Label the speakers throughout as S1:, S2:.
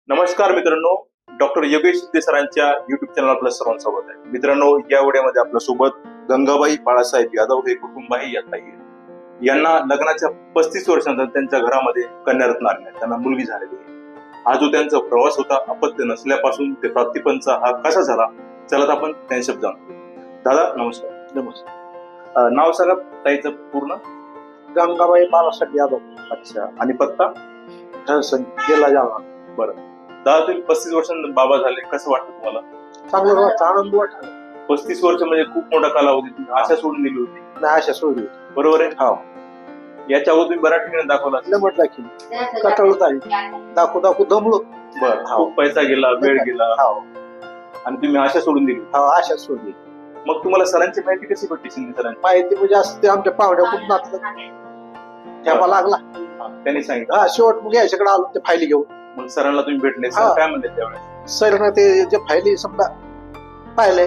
S1: नमस्कार मित्रांनो, डॉक्टर योगेश शिंदे सरांच्या युट्यूब चॅनल आपलं सर्वांचं स्वागत आहे. मित्रांनो, या व्हिडिओमध्ये आपल्या सोबत गंगाबाई बाळासाहेब यादव हे कुटुंबही येत आहे. यांना लग्नाच्या 35 वर्षानंतर त्यांच्या घरामध्ये कन्यारत्न आले, त्यांना मुलगी झालेली आहे. हा जो त्यांचा प्रवास होता अपत्य नसल्यापासून ते प्राप्तिपंचा हा कसा झाला, चला आपण त्यांच्यात जाणू. दादा नमस्कार.
S2: नमस्कार.
S1: नाव सांगा ताईचं पूर्ण.
S2: गंगाबाई बाळासाहेब यादव.
S1: अच्छा. आणि पत्ता.
S2: जिल्हा जालना.
S1: बरं दादा, तुम्ही 35 वर्षांनंतर बाबा झाले, कसं वाटतं तुम्हाला?
S2: चांगलं वाटतं, आनंद वाटला.
S1: 35 वर्ष म्हणजे खूप मोठा कालावधी. तुम्ही आशा सोडून दिली होती,
S2: नाही अशा सोडली.
S1: बरोबर आहे?
S2: हो.
S1: याच्या अगोदर तुम्ही बऱ्याच ठिकाणी दाखवला असेल.
S2: लमट दाखी कटाळत आहे, दाखवू दमलो.
S1: बरं.
S2: हो.
S1: खूप पैसा गेला, वेळ गेला,
S2: हो
S1: आणि तुम्ही आशा सोडून दिली.
S2: हो अशा सोडली.
S1: मग तुम्हाला सरांची माहिती कशी भेटली? शिंदे सरांची
S2: माहिती म्हणजे असं ते आमच्या पाहुण्या खूप नातलं ठेवा लागला.
S1: त्यांनी सांगितलं.
S2: हा शेवट मग याच्याकडे आलो ते फायली घेऊन.
S1: मग सरांना तुम्ही भेटले, सर
S2: हा.
S1: काय म्हणले त्यावेळेस?
S2: सर ते जे फायली समजा पाहिले.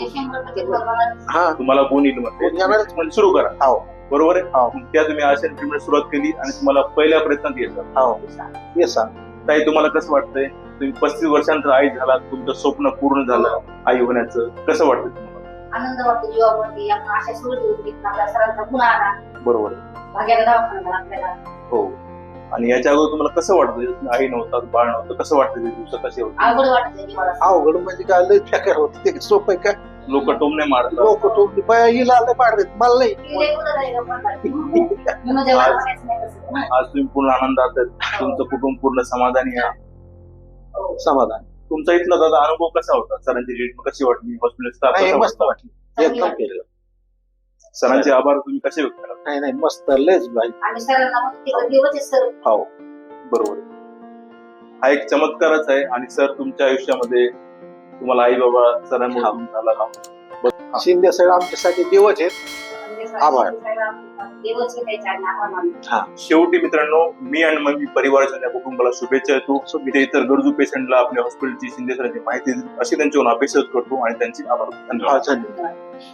S2: हा
S1: तुम्हाला गुण येईल म्हणते,
S2: गुण येणारच.
S1: म्हणजे सुरू करा.
S2: हो
S1: बरोबर आहे?
S2: हो.
S1: मग त्या तुम्ही आशा ट्रीटमेंट सुरुवात केली आणि तुम्हाला पहिल्या प्रयत्नात येतात.
S2: हो ये सांग.
S1: ताई, तुम्हाला कसं वाटतंय? तुम्ही 35 वर्षानंतर आई झाला, तुमचं स्वप्न पूर्ण झालं आई होण्याचं, कसं वाटतं तुम्हाला?
S3: आनंद वाटतो जीवावरती. आपण आशा सोडली होती, आपल्या सरांचा पुन्हा आला,
S1: बरोबर आहे.
S3: भाग्याला दवाखाना आपल्याला.
S1: हो. आणि याच्या अगोदर तुम्हाला कसं वाटतं? आई नव्हतं, बाळ नव्हतं, कसं वाटतं? ते दिवस कसे होते?
S3: अवघड वाटत जीवाला.
S2: अवघड म्हणजे काय लय फेकर होत ते सोपं आहे काय.
S1: लोक टोमणे मारतात.
S2: लोक टोपली बाया हिला लय पाडतात मला नाही.
S3: तिला एकूणच आहे का पण काय? म्हणून जेव्हा म्हणायचं नाही तसं.
S1: आज तुम्ही पूर्ण आनंदात आहेत, तुमचं कुटुंब पूर्ण समाधानी आहे.
S3: हो.
S2: समाधान.
S1: तुमचा इथला दादा अनुभव कसा होता? सरांची ट्रीटमेंट कशी वाटली? हॉस्पिटल स्टाफ
S2: नाही
S1: कसा
S2: मस्त
S1: वाटला?
S2: वाटलं, एकदम केलं.
S1: सरांचे आभार तुम्ही कसे व्यक्त करा?
S2: नाही नाही मस्त लयच भाई.
S3: आणि सरांना मग तिकडे दिवस सर.
S1: हो, बरोबर आहे. हा एक चमत्कारच आहे. आणि सर तुमच्या आयुष्यामध्ये तुम्हाला आई बाबा सरांमुळे झाला.
S2: शिंदे साहेब आमच्यासाठी देवच आहेत. आभार.
S3: दिवस द्यायचे आणि आभार मानतो.
S1: शेवटी मित्रांनो, मी आणि मग मी परिवाराच्या त्या कुटुंबाला शुभेच्छा देतो. इथे इतर गरजू पेशंटला आपल्या हॉस्पिटलची शिंदे सरांची माहिती अशी त्यांच्याकडून अपेक्षा करतो आणि त्यांची आभार. धन्यवाद.
S2: धन्यवाद.